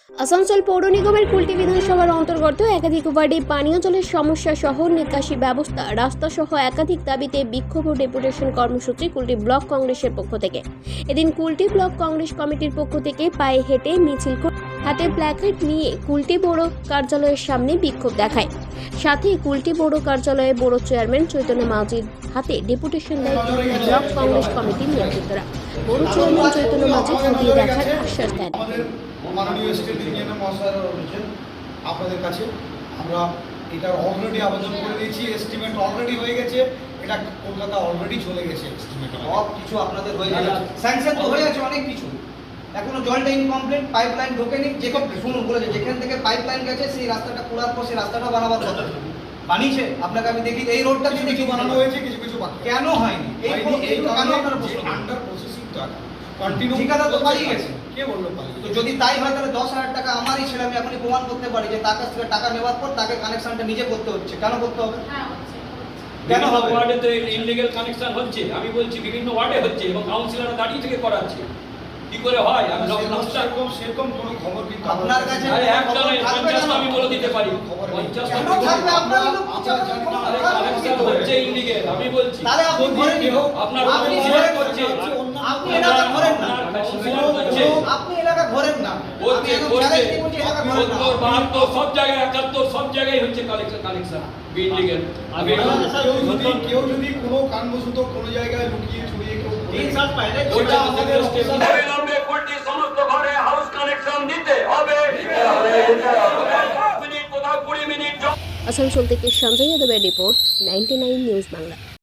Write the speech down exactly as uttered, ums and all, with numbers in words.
আসানসোল পৌর নিগমের কুলটি বিধানসভার অন্তর্গত একাধিক ওয়ার্ডে পানীয় জলের সমস্যা সহ নিকাশি ব্যবস্থা রাস্তা সহ একাধিক দাবিতে বিক্ষোভ ও ডেপুটেশন কর্মসূচি কুলটি ব্লক কংগ্রেসের পক্ষ থেকে। এদিন কুলটি ব্লক কংগ্রেস কমিটির পক্ষ থেকে পায়ে হেঁটে মিছিল করে হাতে প্ল্যাকার্ড নিয়ে কুলটি বড় কার্যালয়ের সামনে বিক্ষোভ দেখায়। সাথে কুলটি বড় কার্যালয়ে বড় চেয়ারম্যান চৈতন্য মাঝির হাতে ডেপুটেশন দেয় ব্লক কংগ্রেস কমিটির নেতৃত্বরা। বড় চেয়ারম্যান চৈতন্য মাঝি খতিয়ে দেখার আশ্বাস দেন। মাননীয় স্টেট ইঞ্জিনিয়ার মহাশয় রয়েছেন আপনাদের কাছে। আমরা এটা অলরেডি আবেদন করে দিয়েছি, এস্টিমেট অলরেডি হয়ে গেছে, এটা কলকাতা অলরেডি চলে গেছে। এস্টিমেট সব কিছু আপনাদের হয়ে গেছে, স্যাংশন তো হয়ে গেছে অনেক কিছু, এখনো জলটা ইনকমপ্লিট, পাইপলাইন ঢোকেনি। যেখান শুনুন বলেছে যেখান থেকে পাইপলাইন গেছে সেই রাস্তাটা খোলার পর সেই রাস্তাটা বানাবার কথা বানিয়েছে। আপনাকে আমি দেখি এই রোডটা কিছু কিছু বানানো হয়েছে, কিছু কিছু বাকি। কেন হয়নি এই এই কেন আপনারা যে আন্ডার প্রসেসিংটা কন্টিনিউ ঠিকাদার তো পালিয়ে গেছে। কে বললো পালিয়ে? তো যদি তাই হয় তাহলে দশ হাজার টাকা আমারই ছেলে, আমি এখনই প্রমাণ করতে পারি যে তার কাছ থেকে টাকা নেওয়ার পর তাকে কানেকশনটা নিজে করতে হচ্ছে। কেন করতে হবে? কেন হবে? ওয়ার্ডে তো ইনলিগ্যাল কানেকশন হচ্ছে, আমি বলছি বিভিন্ন ওয়ার্ডে হচ্ছে এবং কাউন্সিলররা দাঁড়িয়ে থেকে করাচ্ছে। কি করে হয়? আমি সেরকম সেরকম কোনো খবর কিন্তু আপনার কাছে একটা নয়, পঞ্চাশটা আমি বলে দিতে পারি। পঞ্চাশটা কেন থাকবে? আপনারই লোক আরে কানেকশন হচ্ছে ইনলিগ্যাল, আমি বলছি। তাহলে আপনি ধরে নিন, আপনার আপনি কাউন্সিলর ধরে করছে, আপনি এলাকা ঘোরেন না, কাউন্সিলর করছে, আপনি এলাকা ঘোরেন না, করছে করছে সত্তর বাহাত্তর সব জায়গায়, একাত্তর সব জায়গায় হচ্ছে কালেকশন কানেকশন ইনলিগ্যাল। আমি কেউ যদি কোনো কারণবশত কোনো জায়গায় লুকিয়ে ছড়িয়ে কেউ ওটা আমাদের অবিলম্বে কুলটি সমস্ত ঘরে হাউস কানেকশন দিতে হবে। মিনিট কোথাও কুড়ি মিনিট। আসানসোল থেকে সঞ্জয় যাদবের report, ninety nine news Bangla.